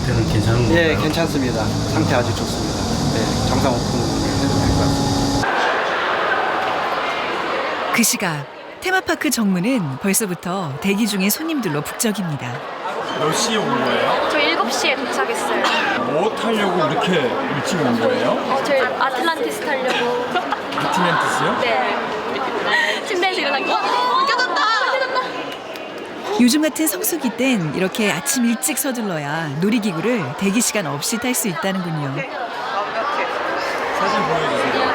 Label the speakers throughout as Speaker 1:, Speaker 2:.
Speaker 1: 상태는 괜찮은 건가요?
Speaker 2: 예, 괜찮습니다. 상태 아주 좋습니다. 네, 정상 오픈해도 될 것 같습니다.
Speaker 3: 그 시각 테마파크 정문은 벌써부터 대기 중인 손님들로 북적입니다.
Speaker 4: 몇 시에 온 거예요?
Speaker 5: 저 7시에 도착했어요.
Speaker 4: 뭐 타려고 이렇게 일찍 온 거예요?
Speaker 5: 저희 아틀란티스 타려고.
Speaker 4: 아틀란티스요?
Speaker 5: 네. 침대에서 일어나고 깨졌다!
Speaker 3: 요즘 같은 성수기 땐 이렇게 아침 일찍 서둘러야 놀이기구를 대기 시간 없이 탈 수 있다는군요.
Speaker 4: 사진 보여주세요.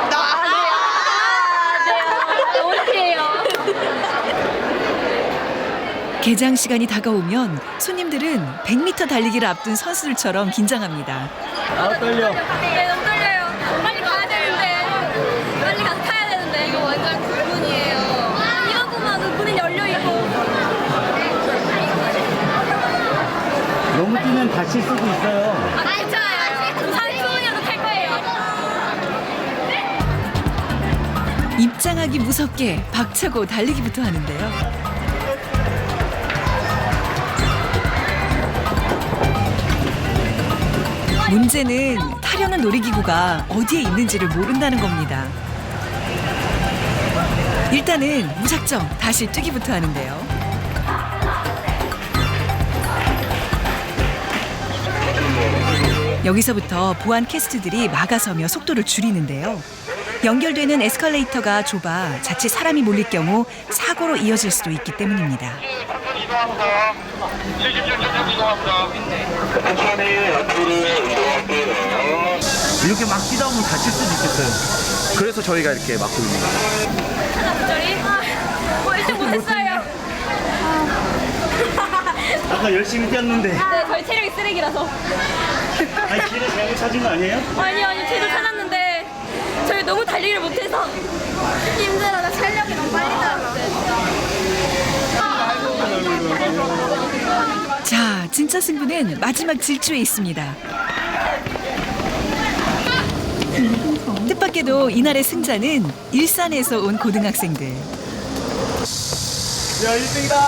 Speaker 3: 개장 시간이 다가오면 손님들은 100m 달리기를 앞둔 선수들처럼 긴장합니다.
Speaker 4: 아 떨려.
Speaker 5: 네, 너무 떨려요. 빨리 가야 되는데. 빨리 가서 타야 되는데. 이거 완전 불문이에요. 이러고만 문은 열려있고.
Speaker 1: 너무 뛰면 다칠 수도 있어요.
Speaker 5: 괜찮아요. 30분이라도 탈 거예요.
Speaker 3: 입장하기 무섭게 박차고 달리기부터 하는데요. 문제는 타려는 놀이기구가 어디에 있는지를 모른다는 겁니다. 일단은 무작정 다시 뛰기부터 하는데요. 여기서부터 보안 캐스트들이 막아서며 속도를 줄이는데요. 연결되는 에스컬레이터가 좁아 자칫 사람이 몰릴 경우 사고로 이어질 수도 있기 때문입니다.
Speaker 6: 이동합니다. 76점 이동합니다. 천천히 앞으로 이동할게요.
Speaker 1: 이렇게 막 뛰다 보면 다칠 수도 있겠어요.
Speaker 2: 그래서 저희가 이렇게 막고 있는 거예요.
Speaker 5: 하나 부절이. 뭐 1등 못했어요.
Speaker 1: 아까 열심히 뛰었는데.
Speaker 5: 네, 저희 체력이 쓰레기라서.
Speaker 1: 아니, 길을 잘못 찾은 거 아니에요?
Speaker 5: 아니요, 제도 찾았는데 저희 너무 달리기를 못해서 힘들어. 나 체력이 너무 빨리 나왔어요.
Speaker 3: 자, 진짜 승부는 마지막 질주에 있습니다. 뜻밖에도 이날의 승자는 일산에서 온 고등학생들.
Speaker 4: 야 1등이다.